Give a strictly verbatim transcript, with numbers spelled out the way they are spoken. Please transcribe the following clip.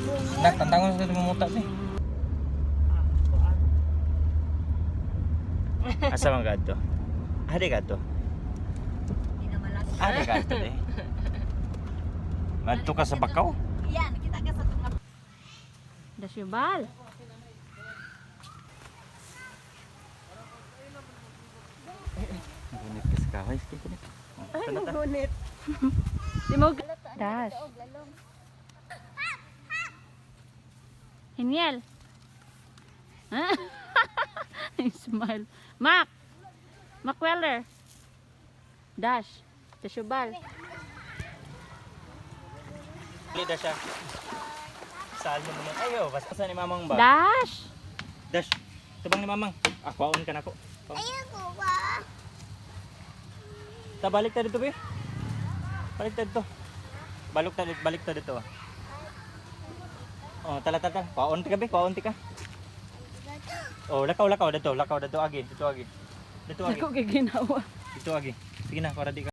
Nak, tantangan sa mamuta ni. Asa man gadto? Ade gadto. Ade gadto eh. Madto ka sa Bakaw? Yan, kita ka sa tungap. Dasyubal. Gunit ka sa kahoy, sige gunit. Ay, magunit. Di mo dash. Hiniel. Ha? Smile. Mac. Mac Weller. Dash. Dasyubal. Lida siya. Saan mo naman? Ayo, basta sa ni mamang ba? Dash. Dash. Tubang ni mamang. Ah, kwaon ka na ko. Ayoko ba? Ta balik ta dito, be. Balik ta dito. Balok ta dito, balik ta dito. Oh, tala tala. Kwaon ti ka, be. Kwaon ti ka. Oh, lakaw lakaw dito, lakaw dito agi, dito agi. Dito agi. Ako kay ginawa. Dito agi. Sige na, para di ka